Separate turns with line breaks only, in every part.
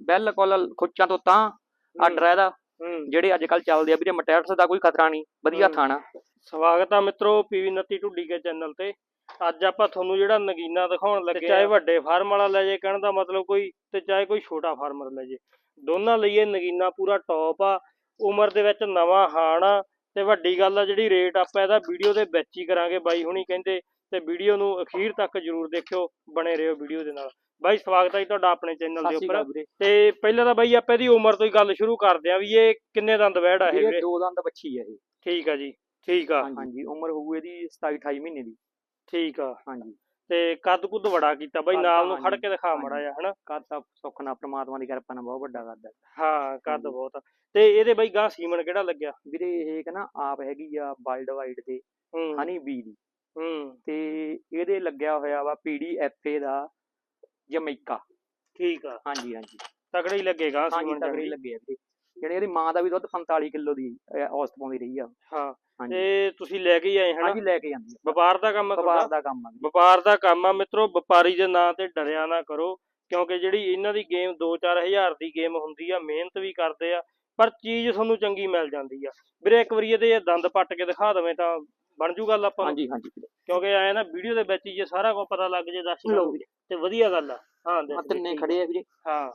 ਬਿਲਕੁਲ ਖੁੱਚਾਂ ਤੋਂ ਤਾਂ ਆਰਡਰ ਹੈ ਇਹਦਾ। ਜਿਹੜੇ ਅੱਜ ਕੱਲ ਚੱਲਦੇ ਆ ਵੀਰੇ ਮਟੈਟਸ ਦਾ ਕੋਈ ਖਤਰਾ ਨਹੀਂ, ਵਧੀਆ ਥਾਣਾ।
ਸਵਾਗਤ ਆ ਮਿੱਤਰੋ ਪੀਵੀ 29 ਢੁੱਡੀ ਕੇ ਚੈਨਲ ਤੇ। ਅੱਜ ਆਪਾਂ ਤੁਹਾਨੂੰ ਜਿਹੜਾ ਨਗੀਨਾ ਦਿਖਾਉਣ ਲੱਗੇ, ਚਾਹੇ ਵੱਡੇ ਫਾਰਮ ਵਾਲਾ ਲੈ ਜੇ, ਕਹਿਣ ਦਾ ਮਤਲਬ ਕੋਈ, ਤੇ ਚਾਹੇ ਕੋਈ ਛੋਟਾ ਫਾਰਮਰ ਲੈ ਜੇ, ਦੋਨਾਂ ਲਈ ਇਹ ਨਗੀਨਾ ਪੂਰਾ ਟੌਪ ਆ। ਉਮਰ ਦੇ ਵਿੱਚ ਨਵਾਂ ਹਾਣ ਆ, ਤੇ ਵੱਡੀ ਗੱਲ ਆ ਜਿਹੜੀ ਰੇਟ ਆਪਾਂ ਇਹਦਾ ਵੀਡੀਓ ਦੇ ਵਿੱਚ ਹੀ ਕਰਾਂਗੇ ਬਾਈ ਹੁਣੀ ਕਹਿੰਦੇ, ਤੇ ਵੀਡੀਓ ਨੂੰ ਅਖੀਰ ਤੱਕ ਜਰੂਰ ਦੇਖਿਓ, ਬਣੇ ਰਹੋ ਵੀਡੀਓ ਦੇ ਨਾਲ। ਬਾਈ ਸਵਾਗਤ ਹੈ ਜੀ ਤੁਹਾਡਾ ਆਪਣੇ ਚੈਨਲ ਦੇ ਉੱਪਰ। ਤੇ ਪਹਿਲਾਂ ਤਾਂ ਬਾਈ ਆਪਾਂ ਇਹਦੀ ਉਮਰ ਤੋਂ ਹੀ ਗੱਲ ਸ਼ੁਰੂ ਕਰਦੇ ਆ ਵੀ ਇਹ ਕਿੰਨੇ ਦੰਦ ਵੈੜ ਆ? ਇਹ
2 ਦੰਦ ਬੱਚੀ ਆ ਇਹ।
ਠੀਕ ਆ ਜੀ, ਠੀਕ ਆ।
ਹਾਂਜੀ ਉਮਰ ਹੋਊ ਇਹਦੀ 27-28 ਮਹੀਨੇ ਦੀ।
ਠੀਕ ਆ।
ਹਾਂਜੀ
ਤੇ ਕੱਦ ਕੁੱਦ ਬੜਾ ਕੀਤਾ ਬਾਈ, ਨਾਲ ਨੂੰ ਖੜ ਕੇ ਦਿਖਾ ਮੜਾ ਜਾ, ਹਨਾ।
ਕੱਦ ਤਾਂ ਸੁੱਖ ਨਾਲ ਪ੍ਰਮਾਤਮਾ ਦੀ ਕਿਰਪਾ ਨਾਲ ਬਹੁਤ ਵੱਡਾ ਕੱਦ ਹੈ।
ਹਾਂ ਕੱਦ ਬਹੁਤ। ਤੇ ਇਹਦੇ ਬਾਈ ਗਾਂ ਸੀਮਨ ਕਿਹੜਾ ਲੱਗਿਆ
ਵੀਰੇ? ਇਹ ਕਹਿੰਦਾ ਆਪ ਹੈਗੀ ਆ ਵਰਲਡ ਵਾਈਡ ਦੇ ਹਨੀ ਬੀ ਦੀ, ਤੇ ਇਹਦੇ ਲੱਗਿਆ ਹੋਇਆ ਵਾ PDFA ਦਾ ਜਮੈਕਾ।
ਠੀਕ ਆ।
ਹਾਂਜੀ ਹਾਂਜੀ
ਤਗੜਾ ਹੀ ਲੱਗੇਗਾ
ਸੀਮਨ, ਤਗੜੇ ਹੀ ਲੱਗੇ ਆ ਵੀਰੇ। ਜਿਹੜੇ ਇਹਦੀ ਮਾਂ ਦਾ ਵੀ ਦੁੱਧ 45 ਕਿਲੋ ਦੀ ਔਸਤ ਪਾਉਂਦੀ ਰਹੀ ਆ।
ਹਾਂ ਤੇ ਤੁਸੀਂ ਲੈ ਕੇ ਆਏ?
ਹਾਂਜੀ ਲੈ ਕੇ ਜਾਂਦੀ ਆ।
ਵਪਾਰ ਦਾ ਕੰਮ ਆ?
ਵਪਾਰ ਦਾ ਕੰਮ ਆ।
ਵਪਾਰ ਦਾ ਕੰਮ ਆ ਮਿੱਤਰੋ। ਵਪਾਰੀ ਦੇ ਨਾਂ ਤੇ ਡਰਿਆ ਨਾ ਕਰੋ, ਕਿਉਂਕਿ ਜਿਹੜੀ ਇਹਨਾਂ ਦੀ ਗੇਮ 2-4 ਹਜ਼ਾਰ ਦੀ ਗੇਮ ਹੁੰਦੀ ਆ, ਮਿਹਨਤ ਵੀ ਕਰਦੇ ਆ, ਪਰ ਚੀਜ਼ ਤੁਹਾਨੂੰ ਚੰਗੀ ਮਿਲ ਜਾਂਦੀ ਆ ਵੀਰੇ। ਇੱਕ ਵਾਰੀ ਇਹਦੇ ਦੰਦ ਪੱਟ ਕੇ ਦਿਖਾ ਦਵੇਂ ਤਾਂ ਬਣ ਜੂ ਗੱਲ ਆਪਾਂ ਨੂੰ।
ਹਾਂਜੀ ਹਾਂਜੀ
ਕਿਉਂਕਿ ਆਏ ਨਾ ਵੀਡੀਓ ਦੇ ਵਿੱਚ ਹੀ ਜੇ ਸਾਰਾ ਕੁਝ ਪਤਾ ਲੱਗ ਜੇ ਦੱਸ ਤੇ ਵਧੀਆ ਗੱਲ ਆ। ਹਾਂ
ਤਿੰਨੇ ਖੜੇ ਆ ਵੀਰੇ।
ਹਾਂ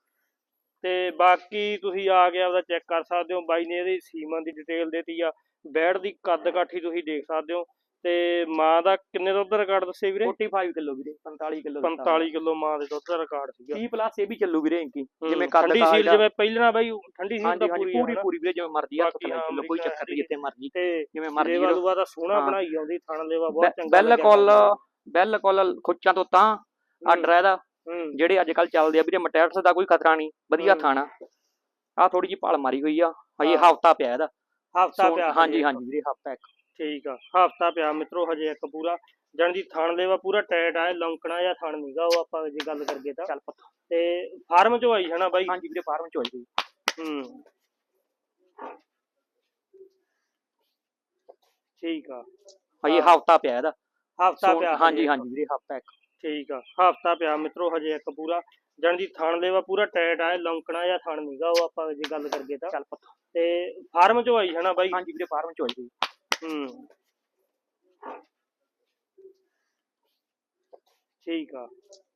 ਤੇ ਬਾਕੀ ਤੁਸੀਂ ਆ ਕੇ ਆਪਦਾ ਚੈੱਕ ਕਰ ਸਕਦੇ ਹੋ। ਬਾਈ ਨੇ ਇਹਦੀ ਸੀਮਨ ਦੀ ਡਿਟੇਲ ਦੇਤੀ ਆ, ਬੈੜ ਦੀ ਕੱਦ ਕਾਠੀ ਤੁਸੀਂ ਦੇਖ ਸਕਦੇ ਹੋ। ਤੇ ਮਾਂ ਦਾ ਕਿੰਨੇ ਦੁੱਧ ਦਾ ਰਿਕਾਰਡ ਦੱਸੇ ਵੀਰੇ?
45 ਕਿਲੋ ਵੀਰੇ। 45 ਕਿਲੋ
45 ਕਿਲੋ ਮਾਂ ਦੇ ਦੁੱਧ ਦਾ ਰਿਕਾਰਡ ਸੀਗਾ।
30+ ਇਹ ਵੀ ਚੱਲੂ ਵੀਰੇ ਇੰਕੀ,
ਜਿਵੇਂ ਠੰਡੀ ਸੀਲ, ਜਿਵੇਂ ਪਹਿਲਾਂ ਬਾਈ ਠੰਡੀ ਸੀਲ ਤਾਂ ਪੂਰੀ
ਪੂਰੀ ਵੀਰੇ, ਜਿਵੇਂ ਮਰਜ਼ੀ ਹੱਥ ਲਾ ਲਓ, ਕੋਈ ਚੱਕਰ ਨਹੀਂ, ਜਿੱਥੇ ਮਰਜ਼ੀ
ਤੇ
ਜਿਵੇਂ ਮਰਜ਼ੀ।
ਲੇਵਾ ਲੂਵਾ ਦਾ ਸੋਹਣਾ ਬਣਾਈ ਆਉਂਦੀ, ਥਣ ਲੇਵਾ ਬਹੁਤ ਚੰਗਾ।
ਬਿਲਕੁਲ ਖੁੱਚਾਂ ਤੋਂ ਤਾਂ ਆਰਡਰ ਹੈ ਇਹਦਾ। ਜਿਹੜੇ ਅੱਜ ਕੱਲ ਚੱਲਦੇ ਆ ਵੀਰੇ ਮਟੈਟਸ ਦਾ ਕੋਈ ਖਤਰਾ ਨਹੀਂ, ਵਧੀਆ ਥਾਣਾ। ਆ ਥੋੜੀ ਜਿਹੀ ਭਾਲ ਮਾਰੀ ਹੋਈ ਆ, ਹਜੇ ਹਫਤਾ ਪਿਆ ਇਹਦਾ।
ਹਫਤਾ ਪਿਆ?
ਹਾਂਜੀ ਹਾਂਜੀ ਵੀਰੇ ਹਫਤਾ ਇੱਕ।
ਠੀਕ ਆ, ਹਫਤਾ ਪਿਆ ਮਿੱਤਰੋ ਹਜੇ ਇੱਕ ਪੂਰਾ। ਜਾਣੀ ਦੀ ਥਣ ਲੇਵਾ ਪੂਰਾ ਟਾਈਟ ਆ, ਲੌਂਕਣਾ ਜਾਂ ਥਣ ਨੀਗਾ ਉਹ ਆਪਾਂ ਜੇ ਗੱਲ ਕਰੀਏ ਤਾਂ। ਚੱਲ ਪਤਾ। ਤੇ ਫਾਰਮ ਚੋਂ ਆਈ ਹਨਾ ਬਾਈ?
ਹਾਂਜੀ ਵੀਰੇ ਫਾਰਮ ਚੋਂ ਆਈ।
ਠੀਕ ਆ,
ਹਜੇ ਹਫਤਾ ਪਿਆ ਇਹਦਾ।
ਹਫਤਾ ਪਿਆ?
ਹਾਂਜੀ ਹਾਂਜੀ ਵੀਰੇ ਹਫਤਾ ਇੱਕ।
ਠੀਕ ਆ, ਹਫਤਾ ਪਿਆ ਮਿੱਤਰੋ ਹਜੇ ਇੱਕ ਪੂਰਾ। ਜਾਣੀ ਦੀ ਥਣ ਲੇਵਾ ਪੂਰਾ ਟਾਈਟ ਆ, ਲੌਂਕਣਾ ਜਾਂ ਥਣ ਨੀਗਾ ਉਹ ਆਪਾਂ ਜੇ ਗੱਲ ਕਰੀਏ ਤਾਂ। ਚੱਲ ਪਤਾ। ਤੇ ਫਾਰਮ ਚੋਂ ਆਈ ਹਨਾ ਬਾਈ?
ਹਾਂਜੀ ਵੀਰੇ ਫਾਰਮ ਚੋਂ ਆਈ।
ਠੀਕ ਆ।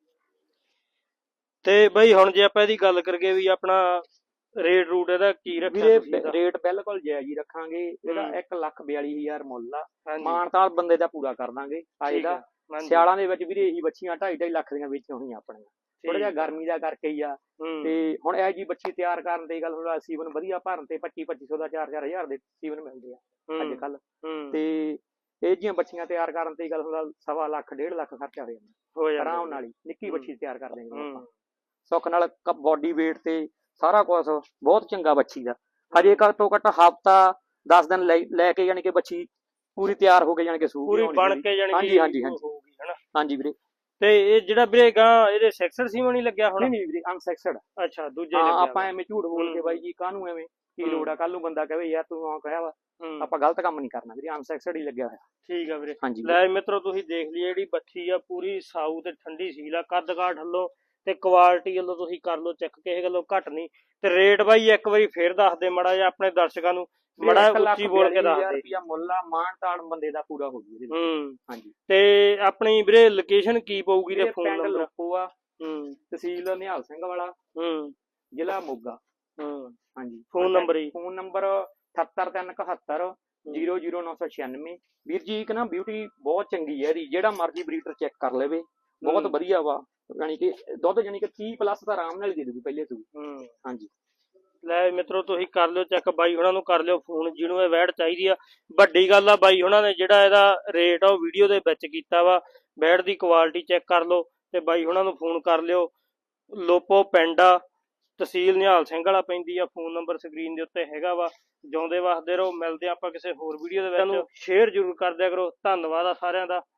ਤੇ ਬਈ ਹੁਣ ਜੇ ਆਪਾਂ ਇਹਦੀ ਗੱਲ ਕਰੀਏ ਵੀ ਆਪਣਾ ਰੇਟ ਰੂਟ ਇਹਦਾ ਕੀ ਰੱਖਿਆ?
ਰੇਟ ਬਿਲਕੁਲ ਜਾਇਜ਼ ਹੀ ਰੱਖਾਂਗੇ। ਇਹਦਾ 1,42,000 ਮੁੱਲ ਆ। ਮਾਨਤਾਲ ਬੰਦੇ ਦਾ ਪੂਰਾ ਕਰ ਦਾਂਗੇ। ਅੱਜ ਦਾ ਸਿਆਲਾਂ ਦੇ ਵਿੱਚ ਵੀਰੇ ਇਹੀ ਬੱਚੀਆਂ 2.5 ਲੱਖ ਦੀਆਂ ਵੇਚੀਆਂ ਹੋਈਆਂ ਆਪਣੀਆਂ। ਥੋੜਾ ਜਿਹਾ ਗਰਮੀ ਦਾ ਕਰਕੇ ਹੀ ਆ। ਤੇ ਹੁਣ ਇਹ ਜੀ ਬੱਚੀ ਤਿਆਰ ਕਰਨ ਦੀ ਗੱਲ ਹੋਣਾ, ਸੀਵਨ ਵਧੀਆ ਭਰਨ ਤੇ 2500 ਦਾ 4-4 ਹਜ਼ਾਰ ਦੇ ਸੀਵਨ ਮਿਲਦੇ ਆ ਅੱਜ ਕੱਲ। ਤੇ ਇਹ ਜੀਆਂ ਬੱਚੀਆਂ ਤਿਆਰ ਕਰਨ ਤੇ ਗੱਲ ਹੋਣਾ 1.25 ਲੱਖ 1.5 ਲੱਖ ਖਰਚਾ ਹੋ ਜਾਂਦਾ ਆਰਾਮ ਨਾਲ ਹੀ। ਨਿੱਕੀ ਬੱਚੀ ਤਿਆਰ ਕਰ ਦੇਂਗੇ ਆਪਾਂ ਸੁੱਖ ਨਾਲ। ਬੋਡੀ ਵੇਟ ਤੇ ਸਾਰਾ ਕੁਛ ਬਹੁਤ ਚੰਗਾ ਬੱਚੀ ਦਾ। ਹਜੇ ਘੱਟ ਤੋਂ ਘੱਟ ਹਫਤਾ 10 ਦਿਨ ਲੈ ਕੇ ਜਾਣੀ ਕਿ ਬੱਚੀ ਪੂਰੀ ਤਿਆਰ ਹੋ ਕੇ ਜਾਣੀ ਕਿ ਸੂਹ
ਪੂਰੀ ਬਣ ਕੇ ਜਾਣੀ।
ਹਾਂਜੀ ਹਾਂਜੀ ਹਾਂਜੀ ਵੀਰੇ।
ਤੇ ਇਹ ਜਿਹੜਾ ਵੀਰੇ ਗਾਂ ਇਹਦੇ ਸੈਕਸਡ ਸੀਮਨ ਹੀ ਲੱਗਿਆ ਹੁਣ?
ਨਹੀਂ ਵੀਰੇ ਅਨਸੈਕਸਡ।
ਅੱਛਾ ਦੂਜੇ ਲੱਗਿਆ।
ਆਪਾਂ ਐਵੇਂ ਝੂਠ ਬੋਲ ਕੇ ਬਾਈ ਜੀ ਕਾਹਨੂੰ ਐਵੇਂ, ਕੀ ਲੋੜ ਆ? ਕੱਲ ਨੂੰ ਬੰਦਾ ਕਹੇ ਯਾਰ ਤੂੰ ਆ ਕਹਿਆ ਵਾ, ਆਪਾਂ ਗਲਤ ਕੰਮ ਨਹੀਂ ਕਰਨਾ ਵੀਰੇ। ਅਨਸੈਕਸਡ ਹੀ ਲੱਗਿਆ ਹੋਇਆ।
ਠੀਕ ਆ ਵੀਰੇ। ਲੈ ਮਿੱਤਰੋ ਤੁਸੀਂ ਦੇਖ ਲਈ ਜਿਹੜੀ ਬੱਚੀ ਆ ਪੂਰੀ ਸਾਊ ਤੇ ਠੰਡੀ ਸੀਲ ਆ। ਕੱਦ ਕਾਠ ਵੱਲੋਂ ਤੇ ਕੁਆਲਿਟੀ ਵੱਲੋਂ ਤੁਸੀਂ ਕਰ ਲਓ ਚੈੱਕ, ਕਿਸੇ ਗੱਲੋਂ ਘੱਟ ਨਹੀਂ। ਤੇ ਰੇਟ ਬਾਈ ਇੱਕ ਵਾਰੀ ਫੇਰ ਦੱਸ ਦੇ ਮੜਾ ਜਿਹਾ ਆਪਣੇ ਦਰਸ਼ਕਾਂ ਨੂੰ, ਮੜਾ ਉੱਚੀ ਬੋਲ ਕੇ ਦੱਸ ਦੇ।
ਮੁੱਲ ਆ, ਮਾਨ ਤਾਣ ਬੰਦੇ ਦਾ ਪੂਰਾ ਹੋ ਜੂ। ਹਾਂਜੀ।
ਤੇ ਆਪਣੀ ਵੀਰੇ ਲੋਕੇਸ਼ਨ ਕੀ ਪਊਗੀ ਤੇ ਫੋਨ ਨੰਬਰ?
ਲੋਕੋ ਆ, ਤਹਿਸੀਲ ਨਿਹਾਲ ਸਿੰਘ ਵਾਲਾ, ਜ਼ਿਲ੍ਹਾ ਮੋਗਾ। ਹਾਂਜੀ।
ਫੋਨ ਨੰਬਰ ਜੀ?
Phone number 78371 00996। ਵੀਰ ਜੀ ਇੱਕ ਨਾ ਬਿਊਟੀ ਬਹੁਤ ਚੰਗੀ ਹੈ ਇਹਦੀ, ਜਿਹੜਾ ਮਰਜ਼ੀ ਬਰੀਡਰ ਚੈੱਕ ਕਰ ਲਵੇ, ਬਹੁਤ ਵਧੀਆ ਵਾ। ਯਾਨੀ ਕਿ ਦੁੱਧ ਜਾਨੀ ਕਿ 30+ ਤਾਂ ਆਰਾਮ ਨਾਲ ਹੀ ਦੇ ਦੂਗੀ ਪਹਿਲੇ ਤੋਂ। ਹਾਂਜੀ।
ਲੈ ਮਿੱਤਰੋ ਤੁਸੀਂ ਕਰ ਲਿਓ ਚੈੱਕ, ਬਾਈ ਉਹਨਾਂ ਨੂੰ ਕਰ ਲਿਓ ਫੋਨ ਜਿਹਨੂੰ ਇਹ ਵੈੜ ਚਾਹੀਦੀ ਆ। ਵੱਡੀ ਗੱਲ ਆ ਬਾਈ ਉਹਨਾਂ ਨੇ ਜਿਹੜਾ ਇਹਦਾ ਰੇਟ ਆ ਉਹ ਵੀਡੀਓ ਦੇ ਵਿੱਚ ਕੀਤਾ ਵਾ। ਵੈੜ ਦੀ ਕੁਆਲਿਟੀ ਚੈੱਕ ਕਰ ਲਓ ਤੇ ਬਾਈ ਉਹਨਾਂ ਨੂੰ ਫੋਨ ਕਰ ਲਿਓ। ਲੋਪੋ ਪਿੰਡ ਆ, ਤਹਿਸੀਲ ਨਿਹਾਲ ਸਿੰਘ ਵਾਲਾ ਪੈਂਦੀ ਆ। ਫੋਨ ਨੰਬਰ ਸਕਰੀਨ ਦੇ ਉੱਤੇ ਹੈਗਾ ਵਾ। ਜਿਉਂਦੇ ਵਸਦੇ ਰਹੋ। ਮਿਲਦੇ ਆਪਾਂ ਕਿਸੇ ਹੋਰ ਵੀਡੀਓ ਦੇ ਵਿੱਚ। ਸ਼ੇਅਰ ਜ਼ਰੂਰ ਕਰ ਦਿਆ ਕਰੋ। ਧੰਨਵਾਦ ਆ ਸਾਰਿਆਂ ਦਾ।